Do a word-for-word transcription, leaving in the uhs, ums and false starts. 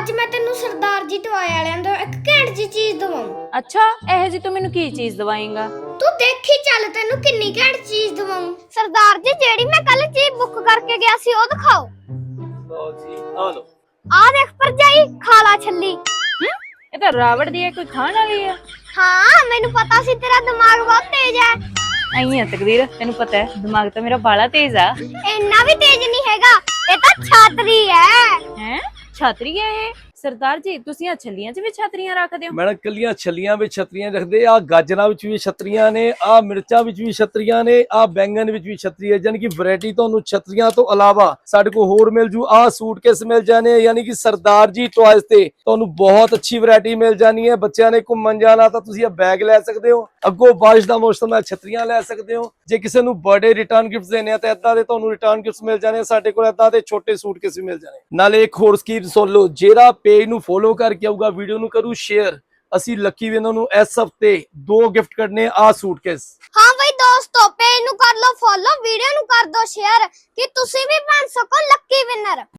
ਅੱਜ ਮੈਂ ਤੈਨੂੰ ਸਰਦਾਰ ਜੀ ਟੋਏ ਵਾਲਿਆਂ ਤੋਂ ਇੱਕ ਘੈਂਟ ਜੀ ਚੀਜ਼ ਦਵਾਉਂ। ਅੱਛਾ, ਇਹ ਜੀ ਤੂੰ ਮੈਨੂੰ ਕੀ ਚੀਜ਼ ਦਵਾਏਂਗਾ? ਤੂੰ ਦੇਖੀ ਚੱਲ ਤੈਨੂੰ ਕਿੰਨੀ ਘੈਂਟ ਚੀਜ਼ ਦਵਾਉਂ। ਸਰਦਾਰ ਜੀ ਜਿਹੜੀ ਮੈਂ ਕੱਲ ਚੀਜ਼ ਬੁੱਕ ਕਰਕੇ ਗਿਆ ਸੀ ਉਹ ਦਿਖਾਓ। ਲਓ ਜੀ ਆ ਲਓ। ਆ ਦੇਖ ਭਰਜਾਈ, ਖਾ ਲਾ ਛੱਲੀ। ਇਹ ਤਾਂ ਰਾਵੜ ਦੀ ਹੈ, ਕੋਈ ਖਾਣ ਵਾਲੀ ਹੈ? ਹਾਂ ਮੈਨੂੰ ਪਤਾ ਸੀ ਤੇਰਾ ਦਿਮਾਗ ਬਹੁਤ ਤੇਜ਼ ਹੈ। ਆਈ ਹੈ ਤਕਦੀਰ, ਤੈਨੂੰ ਪਤਾ ਹੈ ਦਿਮਾਗ ਤਾਂ ਮੇਰਾ ਬਾਲਾ ਤੇਜ਼ ਆ। ਇੰਨਾ ਵੀ ਤੇਜ਼ ਨਹੀਂ ਹੈਗਾ, ਇਹ ਤਾਂ ਛਾਤਰੀ ਹੈ। ਹੈ ਛਾਤਰੀ ਹੈ ਇਹ? ਸਰਦਾਰ ਜੀ ਤੁਸੀਂ ਆ ਛੱਲੀਆਂ 'ਚ ਵੀ ਛਾਤਰੀਆਂ ਰੱਖਦੇ ਹੋ? ਮੈਡਮ ਕੱਲੀਆਂ ਛੱਲੀਆਂ ਵਿੱਚ ਛਤਰੀਆਂ ਰੱਖਦੇ ਆ, ਗਾਜਰਾਂ ਵਿੱਚ ਵੀ ਛਤਰੀਆਂ ਨੇ, ਆ ਮਿਰਚਾਂ ਵਿੱਚ ਵੀ ਛਤਰੀਆਂ ਨੇ, ਆ ਬੈਂਗਣ ਵਿੱਚ ਵੀ ਛਤਰੀ ਹੈ। ਯਾਨੀ ਕਿ ਵੈਰਾਈਟੀ ਤੁਹਾਨੂੰ ਛਤਰੀਆਂ ਤੋਂ ਇਲਾਵਾ ਸਾਡੇ ਕੋਲ ਹੋਰ ਮਿਲ ਜੂ। ਆ ਸੂਟਕੇਸ ਮਿਲ ਜਾਣੇ, ਯਾਨੀ ਕਿ ਸਰਦਾਰ ਜੀ ਟॉयਜ਼ ਤੇ ਤੁਹਾਨੂੰ ਬਹੁਤ ਅੱਛੀ ਵੈਰਾਈਟੀ ਮਿਲ ਜਾਣੀ ਹੈ। ਬੱਚਿਆਂ ਨੇ ਘੁੰਮਣ ਜਾਣਾ ਤਾਂ ਤੁਸੀਂ ਇਹ ਬੈਗ ਲੈ ਸਕਦੇ ਹੋ। ਅੱਗੋਂ ਬਾਰਿਸ਼ ਦਾ ਮੌਸਮ ਹੈ, ਛਤਰੀਆਂ ਲੈ ਸਕਦੇ ਹੋ। ਜੇ ਕਿਸੇ ਨੂੰ ਬਰਥਡੇ ਰਿਟਰਨ ਗਿਫਟਸ ਦੇਣੇ ਆ ਤਾਂ ਏਦਾਂ ਦੇ ਤੁਹਾਨੂੰ ਰਿਟਰਨ ਗਿਫਟਸ ਮਿਲ ਜਾਣੇ। ਸਾਡੇ ਕੋਲ ਏਦਾਂ ਦੇ ਛੋਟੇ ਸੂਟਕੇਸ ਵੀ ਮਿਲ ਜਾਣੇ। ਨਾਲੇ ਇੱਕ ਹੋਰ ਸਕੀਮ ਸੁਣ ਲਓ, ਜਿਹੜਾ ਪੇਜ ਨੂੰ ਫੋਲੋ ਕਰਕੇ ਆਊਗਾ, ਵੀਡੀਓ ਨੂੰ ਕਰੂ ਸ਼ੇਅਰ, ਅਸੀਂ ਲੱਕੀ ਵਿਨਰ ਨੂੰ ਇਸ ਹਫਤੇ ਦੋ ਗਿਫਟ ਕਰਨੇ ਆ ਸੂਟਕੇਸ। ਹਾਂ ਬਈ ਦੋਸਤੋ, ਪੇਜ ਨੂੰ ਕਰ ਲਓ ਫੋਲੋ, ਵੀਡੀਓ ਨੂੰ ਕਰ ਦਿਓ ਸ਼ੇਅਰ ਕਿ ਤੁਸੀਂ ਵੀ ਬਣ ਸਕੋ ਲੱਕੀ ਵਿਨਰ।